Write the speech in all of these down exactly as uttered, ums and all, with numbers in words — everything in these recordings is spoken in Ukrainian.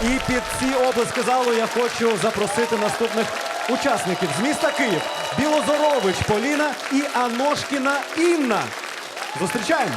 І під ці обласки залу я хочу запросити наступних учасників з міста Київ. Білозорович Поліна і Аношкіна Інна. Зустрічаємо.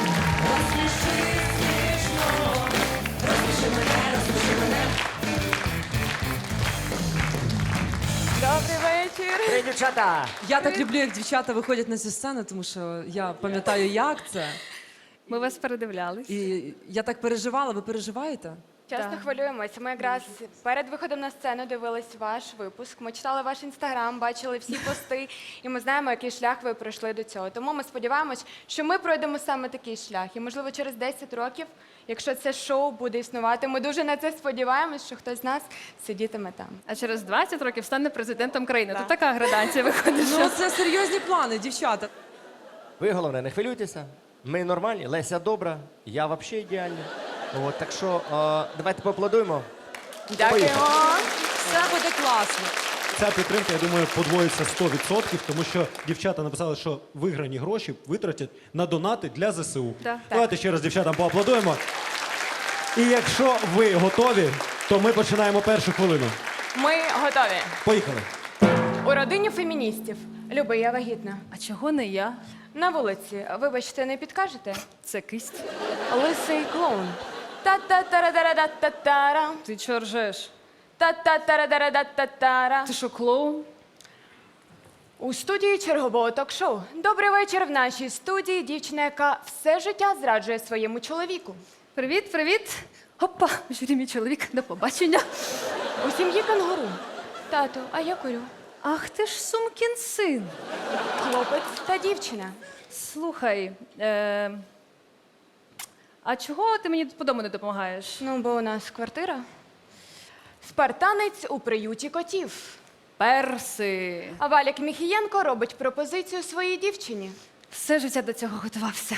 Добрий вечір. Привіт, дівчата! Я так люблю, як дівчата виходять на цю сцену, тому що я пам'ятаю, як це. Ми вас передивлялись. І я так переживала. Ви переживаєте? Часто Так. хвилюємося. Ми якраз перед виходом на сцену дивились ваш випуск. Ми читали ваш інстаграм, бачили всі пости, і ми знаємо, який шлях ви пройшли до цього. Тому ми сподіваємось, що ми пройдемо саме такий шлях. І, можливо, через десять років, якщо це шоу буде існувати, ми дуже на це сподіваємось, що хтось з нас сидітиме там. А через двадцять років стане президентом країни. Да. Тут така градація виходить. Ну, це серйозні плани, дівчата. Ви, головне, не хвилюйтеся. Ми нормальні, Леся добра, я взагалі ідеальний. От, так що е, давайте поаплодуємо. Дякуємо. Все буде класно. Ця підтримка, я думаю, подвоїться сто відсотків, тому що дівчата написали, що виграні гроші витратять на донати для ЗСУ. Да. Давайте ще раз дівчатам поаплодуємо. І якщо ви готові, то ми починаємо першу хвилину. Ми готові. Поїхали. У родині феміністів. Люби, я вагітна. А чого не я? На вулиці, вибачте, не підкажете? Це кисть. Лисий клоун. Та-та-та-ра-да-ра-та-та-ра. Ти чого ржеш? Та-та-та-ра-да-ра-да-та-та-ра. Ти що, клоун? У студії чергового ток-шоу. Добрий вечір в нашій студії. Дівчина, яка все життя зраджує своєму чоловіку. Привіт, привіт. Опа, журі, мій чоловік, до побачення. У сім'ї кенгуру. Тату, а я курю. Ах, ти ж сумкін син. Хлопець та дівчина. Слухай, е... а чого ти мені по дому не допомагаєш? Ну, бо у нас квартира. Спартанець у приюті котів. Перси. А Валік Міхієнко робить пропозицію своїй дівчині. Все життя до цього готувався.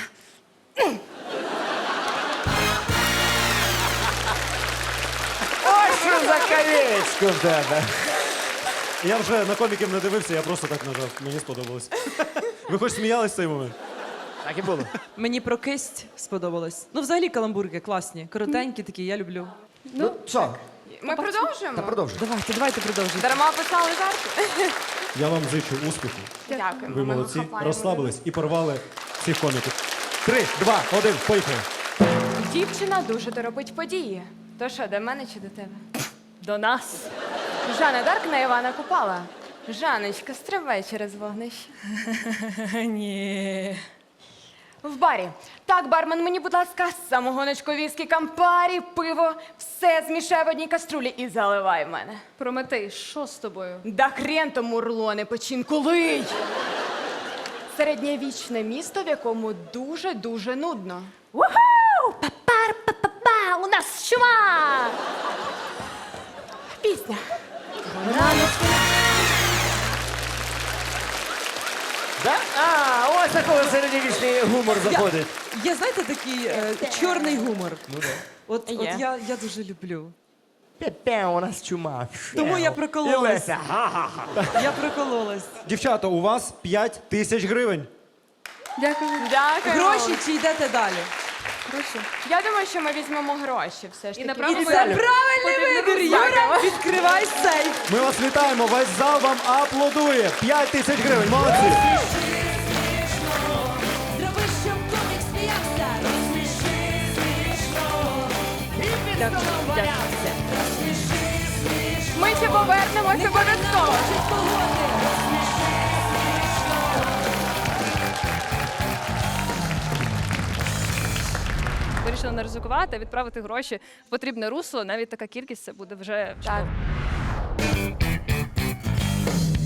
Ось що за колечко в тебе! Я вже на коміків не дивився, я просто так нажав. Мені сподобалось. Ви хоч сміялись в цей момент? Так і було. Мені про кисть сподобалось. Ну, взагалі каламбурки класні, коротенькі такі, я люблю. Ну, що? Ми продовжуємо? Та продовжуй. Давайте, давайте продовжуйте. Дарма писали жарти. Я вам зичу успіху. Дякуємо. Ви ми молодці, хапаємо. розслабились і порвали всіх коміків. Три, два, один, поїхали. Дівчина дуже торопить події. То що, до мене чи до тебе? До нас. Жанна Дарк на Івана Купала. Жанночка, стривай через вогнище. Ні. В барі. Так, бармен, мені, будь ласка, самогоночку, віскі, кампарі, пиво. Все змішай в одній каструлі і заливай в мене. Прометей, що з тобою? Да хрен тому урлоне печінку лий! Середньовічне місто, в якому дуже-дуже нудно. Уху! Папар, па-па-па! У нас чума! Пісня. Да? А, ось такого середньовічний гумор заходить. Є, знаєте, такий е, чорний гумор. Ну, да. От, от Є. я, я дуже люблю. Пе-пе, у нас чума. Тому я І прокололась. Леся, га-га-га. Я прокололась. Дівчата, у вас п'ять тисяч гривень. Дякую. Дякую. Гроші чи йдете далі? Гроші. Я думаю, що ми візьмемо гроші все ж І таки. направимо І це Далі. правильний вибір, Юра! Відкривай сейф! Ми вас вітаємо, весь зал вам аплодує. П'ять тисяч гривень, молодці. Зроби, щоб комік сміявся. Розсміши смішно. І під столом валявся. Розсміши смішно. Ми ще повернемося обов'язково. Чи погоди. Розсміши смішно. Вирішила не ризикувати, а відправити гроші в потрібне русло. Навіть така кількість це буде вже Так. чудово.